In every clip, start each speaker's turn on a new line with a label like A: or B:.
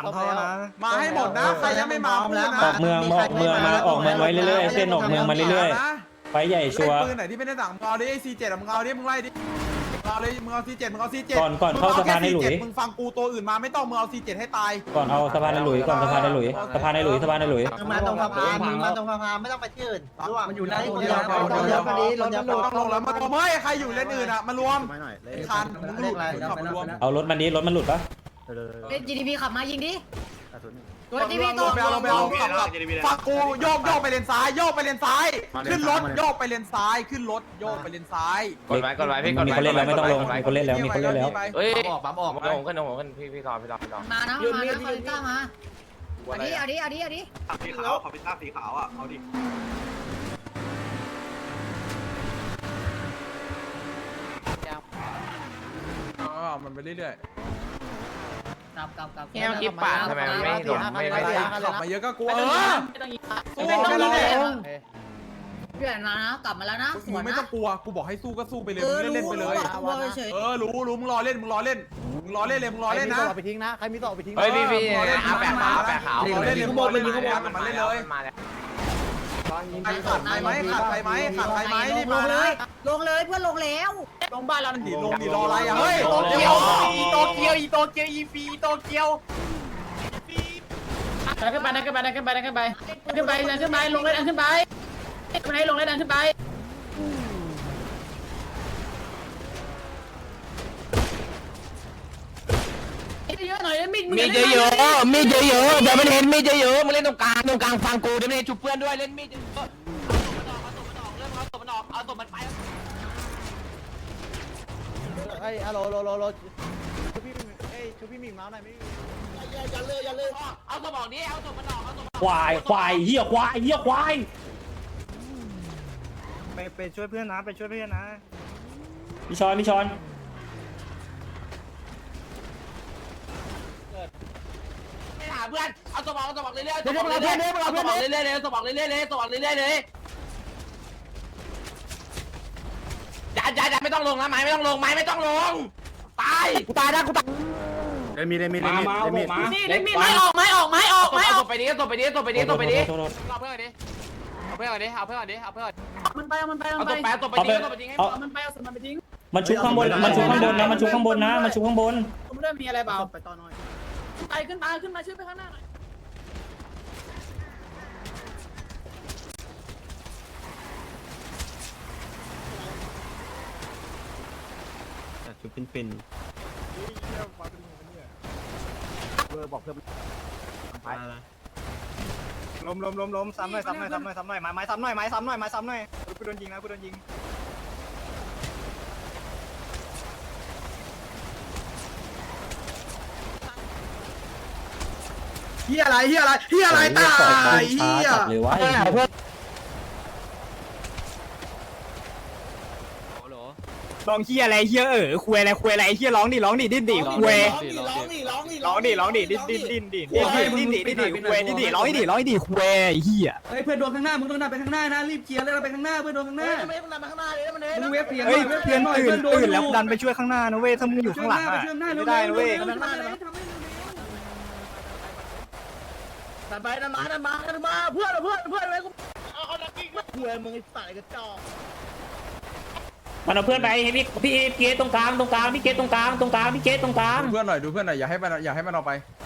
A: งเขานะ
B: มาให้หมดนะใครยังไม่มาพูดนะ
C: ออกเมืองมาออกเมืองไว้เรื่อยๆเส้นออกเมืองมาเรื่อยๆไฟใหญ่ชัวร์
B: ปืนไหนที่ไม่ได้สั่งมึงเอาดิไอ้C7มึงเอาดิมึงไล่ดิเอาเลยมึงเอาC7มึงเอาC7
C: ก่อนเข้าสะพานในหลุย
B: มึงฟังกูตัวอื่นมาไม่ต้องมึงเอาC7ให้ตาย
C: ก่อนเอาสะพานในหลุยก่อนสะพานในหลุยสะพานในหลุยสะพานในหลุย
A: มาตรงสะพานมาตรงสะพานไม่ต้องไปที่อื่นร่วงมันอยู่หน้าคนเดียว
B: ต้องลงแล้วมารวมเฮ้ยใครอยู่เลนอื่นอ่ะมารวมคันมึงหลุดขับมารวม
C: เอารถมันนี้รถมันหลุดปะ
D: GDP ขับมายิงดิตัว
B: ล
D: GDP
B: ง
D: ตัว
B: ไปเอาขับฟังกูโยกไปเลนซ้ายโยกไปเลนซ้ายขึ้นรถโยกไปเลนซ้ายขึ้นรถโยกไปเลนซ้าย
E: กดไว้พี่กด
C: มี
E: ไว้
C: คนเล่นแล้วไม่ต้องลงมีคนเล่นแล้วมีคนเล่นแล้ว
E: เฮ้ย
A: ปั๊มออก
E: ผมขึ้นพี่รอ
D: มานะคาริต้ามาเอาดิ
F: สีขาวขอพิซซ่าสีขาวอ่ะเอาดิ
B: มันไปเรื่อย
D: กลับ
E: แค่เมื่อกี้ปาดทำไมไม่โดนไม่
B: ๆขับมาเยอะก็กลัว
D: ไม่ต้องยิง
B: สู้ไม่ต้องเลย
D: เพื่อนมานะกลับมาแล้วนะส
B: มึ
D: ว
B: ง
D: น
B: ไม่
D: นะ
B: ต้องกลัวกูบอกให้สู้ก็สู้ไปเลยมึงเล่นไปเลย
D: เฉย
B: รู้มึงรอเล่นเลยมึงรอเล่นนะ
A: ไปทิ้งนะใครมีต่อไปทิ้ง
E: เฮ้ยพี่เอาแปะขาว
B: เล่นเลยมึงเล่นเลยมาเล่นเลย
E: มาแล้ว
B: ใครขาดใครไหมรีบ
D: ล
B: มาง
D: เล
B: นะ
D: ยลงเลยเพื่อนลงแล้ว
B: ลงบ้านเราดิลงดิรออะไรอ่ะเฮ้ย
E: โตเกียว
A: อีโตเกียวอีโตเกียว
G: ขึ้นไปขึ้นไปขึ้นไปขึ้นไปขึ้นไปขึ้นไปลงเลยดันขึ้นไปลงเลยดันขึ้นไปเยอะหน่อยมีดเยอะเดี๋ยวมันเห็นมีดเยอะมึงเล่นตรงกลางฟังกูเดี๋ยวมันเห็นจุบเพื่อนด้วยเล่นมีดเยอะเอาตัวมันไป
A: ไอ้ฮัลโหลชูพี่หมิงมาหน่อยไม่อย่าเลย
G: เอาตัวบอกนี้เอาตัวมันออกเอาตัว
C: ควายเหี้ยควาย
A: ไปช่วยเพื่อนนะ
C: พี่ชอน
G: ไม่หาเพื่อนเอาตัวบอกเรื่อยๆตัวบอกเรื่อยๆเลยตัวบอกเรื่อยๆเลยอย่าไม่ต้องลงนะไม้ไม่ต้องลงตายกูตายนะกูตาย
A: มี
G: นี่เล่นมีไม้ออกไปดิเอาเพื่อนดิเอาเพื่อนดิเอาเพื่อนดิมันไปเอาตัวไปทิ้งให้มันไปเอาสมันไปทิ้ง
C: มันชุบข้างบนนะมันชุบข้างบน
G: ผมเริ่มมีอะไรเปล่าไปต่อหน่อยขึ้นมาช่วยไปข้างหน้าหน่อย
A: ชุบเป็นบอกเพื่อนล้มซ้ำหน่อยไม้ซ้ำหน่อยกูโดนยิงเฮียอะไรตายเฮีย
C: เลยวะ
A: ลองเฮียอะไรเฮียคุยอะไรเฮียร้องดิดิ้นดิคุยร้องดิดิ้นดิคุยเฮีย
G: เฮ้ยเพื่อนโดนข้างหน้ามึงต้องดันไปข้างหน้านะรีบเคลียร์แล้วเราไปข้างหน้าเพื่อนโดนข้างหน้ามึงเวฟเปลี่ยน
A: เฮ้ยเพื่อนอื่นแล้วดันไปช่วยข้างหน้านะเว้ยถ้ามึงอยู่ข้างหลังอะไม่ได้นะเว้ย
G: ดันมาเพื่อนไว้กูเอาดักกิ้งมาคุยมึงไอ้สายกระจอก
C: มันเอาเพื่อนไปให้พี่เกตตรงกลางพี่เกตตรงกลางพี่เกตตรงกลาง
B: ดูเพื่อนหน่อยอย่าให้มันเอาไป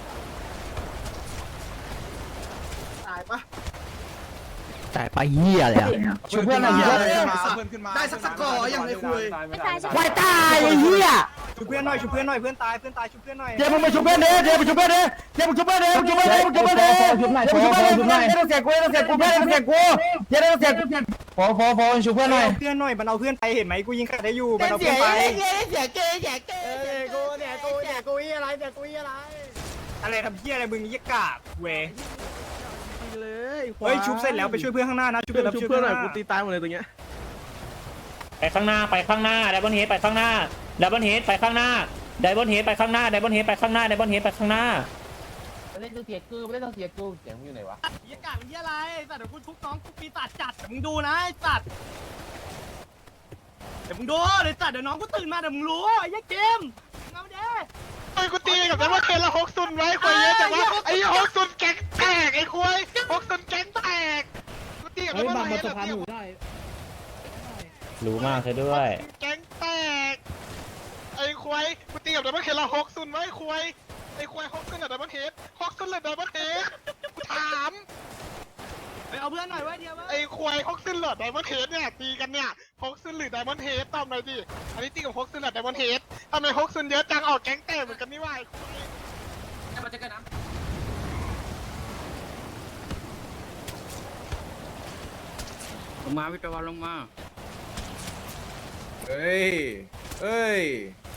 A: แต่ไปเฮียเลยอะช่วยเพื่อนหน่อยเฮีย
B: ได้สักก่ออย่างไรคุย
A: ควายตายไอ้เฮียช่วยเพื่อนหน่อยเพื่อนตายช่วยเพื่อนหน่อยเดี๋ยวมึงไปช่วยเพื่อนเด้เดี๋ยวมึงช่วยเพื่อนเด้ต้องเสียกูเช่วยเพื่อนหน่อยมันเอาเพื่อนไปเห็นไหมกูยิงใครได้อยู่มันเอาเพื่อนไปอะไรทำเฮียอะไรมึงยี่กากเว้ยเฮ้ยชุบเสร็จแล้วไปช่วยเพื่อนข้างหน้านะช่วยเพื่อนหน่อยกูตีตายหมดเลยตรงเนี้ย
C: ไปข้างหน้าไดบอนเฮดไปข้างหน้าไดบอนเฮดไปข้างหน้าเล่นต้องเสียกูเสียงอยู่ไหนวะ
G: ยี่กาเป็นยี่อะไรสัตว์เดี๋ยวกูทุบน้องกูปีศาจจัดเดี๋ยวมึงดูนะไอ้สัตว์เดี๋ยวมึงดูเดี๋ยวน้องกูตื่นมาเดี๋ยวมึงรู้ไอ้ยี่เกมเอาเด้
F: กูตีกับแต่ว่าเคละ60ไว้คุยเยอะแต่ว่า
H: สะพานหนูได้
C: รู้มากซะด้วย
H: แก๊งแตกไอ้ควายกูตีกับดับเบิลเฮดละ6-0ไว้ควายไอ้ควาย6-0เลยดับเบิลเฮด6-0เลยดับเบิลเฮดกูถามไปเอาเพื่อนหน่อยไว้เดียวไอ้ควาย6-0เลยดับเบิลเฮดเนี่ยตีกันเนี่ย6-0หรือดับเบิลเฮดตอบหน่อยดิอันนี้ตีกับ6-0เลยดับเบิลเฮดทำไม6-0เยอะจังออกแก๊งแตกเหมือนกันนี่วะไอ้ควาย
G: มันจะกันนะ
H: ลงมาวิทยาวัลลงมา
B: เฮ้ยเฮ้ย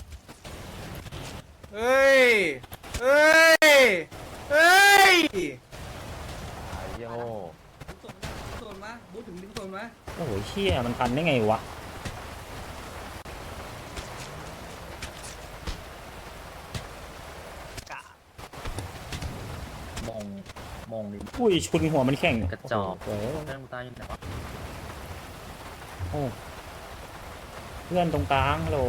B: เฮ้ยเฮ้ยเฮ้ย
E: โย่
A: โซนมาบูถึงดึงโซนมา
C: โอ้โหเชี่ยมันทันได้ไงวะ
G: มองดิ
C: อุ้ยชุนหัวมันแข็ง
G: กระจอก
C: โอ้โห
G: เรื่องตายอยู่ไหนวะ
C: โอ้เพื่อนตรงกลางฮัลโหล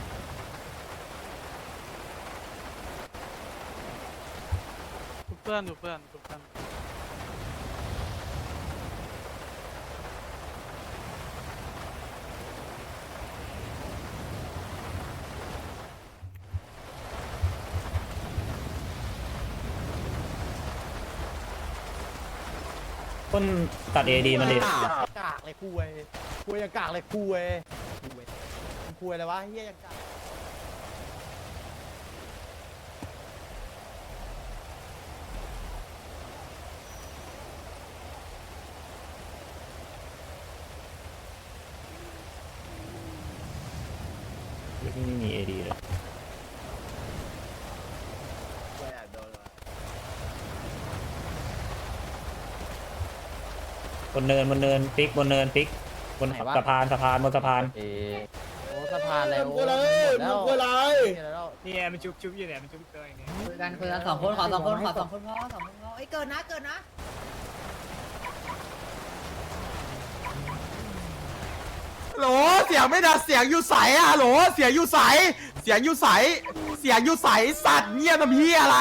H: เพื่อนดูเพื่อน
C: ต้นตัดเอดีมันดิ
G: กากเลยคุยยังกากเลยคุยอะไรวะเฮียยังกาก
C: ที่นี่มีเอดีเลยบนเนินปิ๊กบนเนินปิ๊กบนสะพานบนสะพาน
G: โอ้สะพานแล้วหมดแล้ว
A: เนี่ยมันจุบอยู่เนี่ยมันจุบเตยเนี่ย
D: คุยกัน2 คนขอ2 คนขอ2 คนพอ2 คนพอไอ้เกินนะเกินนะ
B: โหลเสียงไม่ดังเสียงอยู่ใสอะโหลเสียงอยู่ใสเสียงอยู่ใสเสียงอยู่ใสสัตว์เงียบทำเฮียอะไร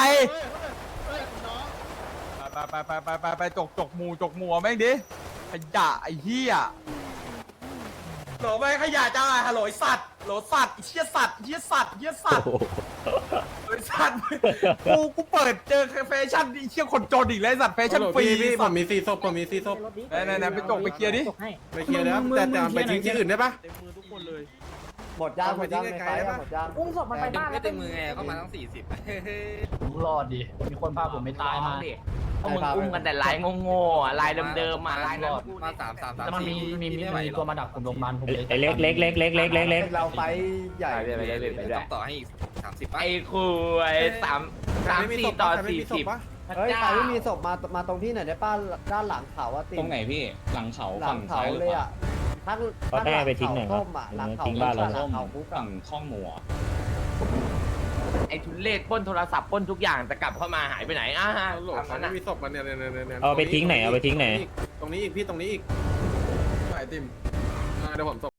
B: ไปจกหมูแม่งดิขยะไอ้เฮียโหลไปขยะจ้าฮัลโหลสัตว์โหลสัตว์เฮียสัตว์เฮียสัตว์เฮียสัตว์ไอ้สัตว์กูเปิดเจอแฟชั่นไอ้เฮียคนจนอีกแล้วสัตว์แฟชั่นฟรีพี่ผมมี4 ศพไหนไปจกไปเคลียร์ดิไปเคลียร์แล้วแต่ไปทิ้งที่อื่นได้ปะ
G: หมดยางหมดยางในไฟหมดยาง
D: อุ้มศพมันไปบ้านแล้วเป็น
F: มือไงเข้ามาตั้ง40
G: ผมรอดดิมีคนพาผมไม่ตายมา
E: พวกมึงอุ้มกันแต่ลายโง่ๆอะลายเดิมๆอ่ะลายนั้น
F: มา3
G: แต่มันมีตัวมาดักผมลงมันผม
C: ไอเล็ก
G: เราไปใหญ่
E: ไปเลย
F: ต้องต่อให้อีก30
E: ไอ้คุย3-4 ต่อ 40
G: เฮ้ยใครไม่มีศพมาตรงที่ไหนได้ป้าด้านหลังเขาอะติ
H: ตรงไหนพี่หลังเขา
G: หลังเขาเลยอะทั้ง
C: เขาแน่ไปทิ้งไหนครั
G: ส้
C: บ
G: มอะหลังเขา
C: ทิ้งบ้านเรา
G: หลังเขาคุก
H: ฝั่งข้องหมูอะ
E: ไอ้ทุเรศปล้นโทรศัพท์ปล้นทุกอย่างแต่กลับเข้ามาหายไปไหนอ่ะทำนั้น
B: มีศพมันเนี่ย
C: เอาไปทิ้งไหน
B: ตรงนี้อีกพี่ตรงนี้อีกไอติมเดี๋ยวผมส่ง